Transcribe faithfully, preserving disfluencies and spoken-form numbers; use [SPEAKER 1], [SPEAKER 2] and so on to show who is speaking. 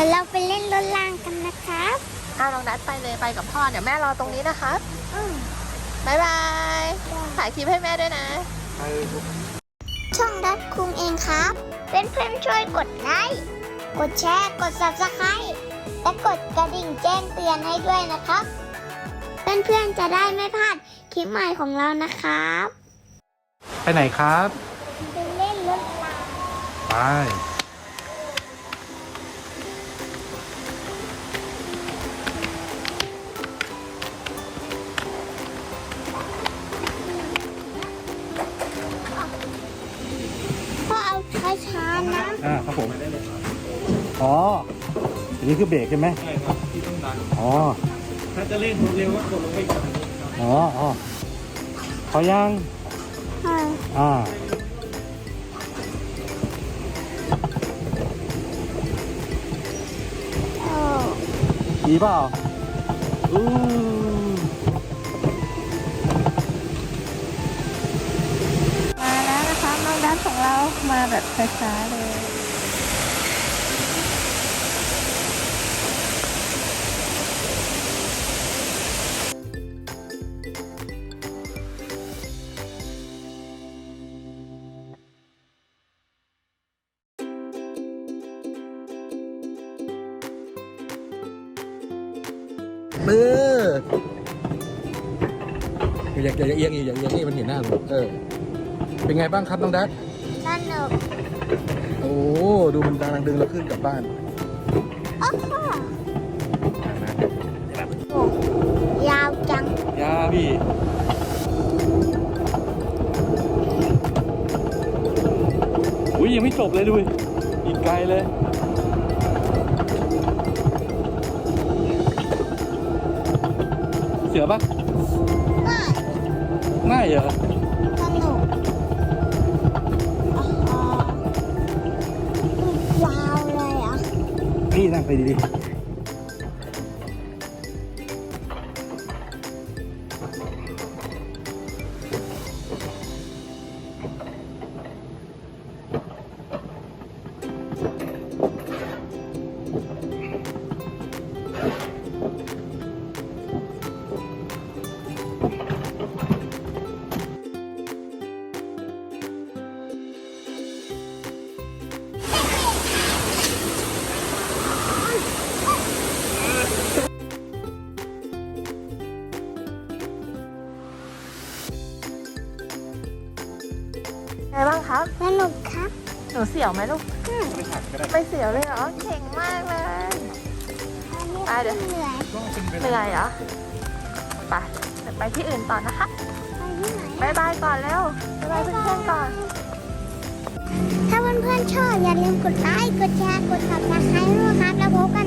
[SPEAKER 1] ยวเราไปเล่นรถรางกันนะครับ
[SPEAKER 2] อ้าวน้องนัดไปเลยไปกับพ่อเดี๋ยวแม่รอตรงนี้นะคะ
[SPEAKER 1] อืม
[SPEAKER 2] บายบายถ่ายคลิปให้แม่ด้วยนะ
[SPEAKER 1] ช่องดัดคุงเองครับเพื่อนๆช่วยกดไลค์กดแชร์กด ซับสไครบ์ และกดกระดิ่งแจ้งเตือนให้ด้วยนะครับเพื่อนๆจะได้ไม่พลาดคลิปใหม่ของเรานะครับ
[SPEAKER 3] ไปไหนครับ
[SPEAKER 1] ไปเล่นรถราง
[SPEAKER 3] ไป
[SPEAKER 1] พ่อเอาช้าๆนะ
[SPEAKER 3] อ่าครับผม อ๋ออันนี้คือเบรกใช่ไหม
[SPEAKER 4] ใช่ครับที่ต้องดัน
[SPEAKER 3] อ๋อ
[SPEAKER 4] ถ้าจะเล่นเร็วก็กดลงไปอีกครับ
[SPEAKER 3] อ๋ออ๋อพอยัง
[SPEAKER 1] อ่า
[SPEAKER 3] อ่า
[SPEAKER 1] โอ้
[SPEAKER 3] ดีเปล่าอู้
[SPEAKER 2] มาแล้วนะคะน้องนัดของเรามาแบบช้าๆเลย
[SPEAKER 3] มืออยากอยากเอียงอีกอยากเอียงนี่มันเห็นหน้าผมเออ เป็นไงบ้างครับน้องดัด
[SPEAKER 1] สนุก
[SPEAKER 3] โอ้ ดูมันดังดึงเราขึ้นกลับบ้าน
[SPEAKER 1] โอ้โหยาวจัง
[SPEAKER 3] ยาพี่อุ้ยยังไม่จบเลยดูอีกไกลเลย เสือปะ
[SPEAKER 1] ไม่
[SPEAKER 3] ง่ายเหรอ
[SPEAKER 1] สนุกอ๋อยาวเลยอ่ะ
[SPEAKER 3] นี่นั่งไปดีๆ
[SPEAKER 2] ไงบ้างครับ
[SPEAKER 1] สนุกครับ
[SPEAKER 2] หนูเสียวไหมลูกไม่เสียวเลยเหรอเก่งมากเลย ไปเดี๋ยว
[SPEAKER 1] เหนื่อย
[SPEAKER 2] เหนื่อยเหรอไปเดี๋ยวไปที่อื่นต่อนะคะ
[SPEAKER 1] ไปที่ไหน
[SPEAKER 2] บายบายก่อนแล้วบายบายเพื่อนๆก่อน
[SPEAKER 1] ถ้าเพื่อนๆชอบอย่าลืมกดไลค์ กดแชร์ กด ซับสไครบ์ ด้วยครับ แล้วพบกัน